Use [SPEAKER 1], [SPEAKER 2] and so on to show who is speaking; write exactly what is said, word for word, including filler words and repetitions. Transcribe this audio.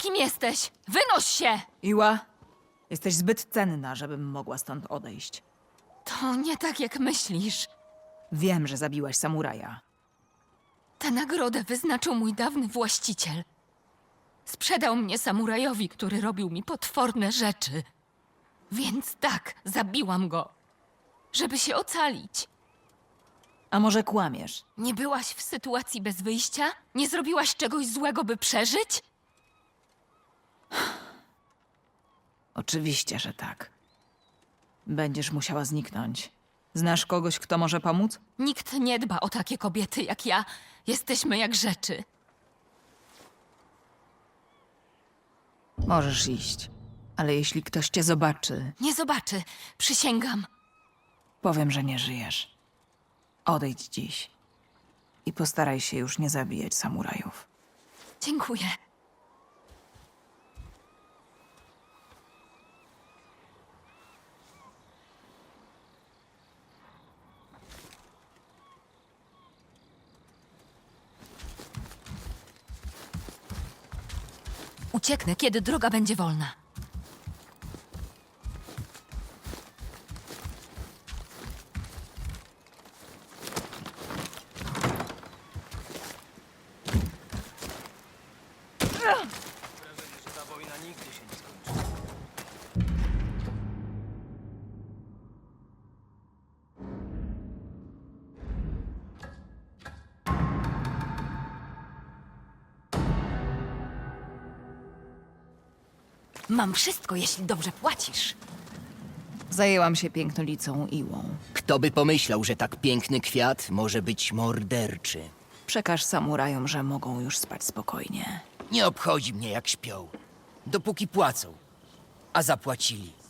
[SPEAKER 1] Kim jesteś? Wynoś się!
[SPEAKER 2] Iła, jesteś zbyt cenna, żebym mogła stąd odejść.
[SPEAKER 1] To nie tak, jak myślisz.
[SPEAKER 2] Wiem, że zabiłaś samuraja.
[SPEAKER 1] Tę nagrodę wyznaczył mój dawny właściciel. Sprzedał mnie samurajowi, który robił mi potworne rzeczy. Więc tak, zabiłam go, żeby się ocalić.
[SPEAKER 2] A może kłamiesz?
[SPEAKER 1] Nie byłaś w sytuacji bez wyjścia? Nie zrobiłaś czegoś złego, by przeżyć?
[SPEAKER 2] Oczywiście, że tak. Będziesz musiała zniknąć. Znasz kogoś, kto może pomóc?
[SPEAKER 1] Nikt nie dba o takie kobiety jak ja. Jesteśmy jak rzeczy.
[SPEAKER 2] Możesz iść. Ale jeśli ktoś cię zobaczy,
[SPEAKER 1] Nie zobaczy, przysięgam.
[SPEAKER 2] powiem, że nie żyjesz. Odejdź dziś. I postaraj się już nie zabijać samurajów.
[SPEAKER 1] Dziękuję. Ucieknę, kiedy droga będzie wolna.
[SPEAKER 3] Ta wojna nigdy się nie skończy.
[SPEAKER 1] Mam wszystko, jeśli dobrze płacisz.
[SPEAKER 2] Zajęłam się pięknolicą Iłą.
[SPEAKER 3] Kto by pomyślał, że tak piękny kwiat może być morderczy?
[SPEAKER 2] Przekaż samurajom, że mogą już spać spokojnie.
[SPEAKER 3] Nie obchodzi mnie, jak śpią. Dopóki płacą. A zapłacili.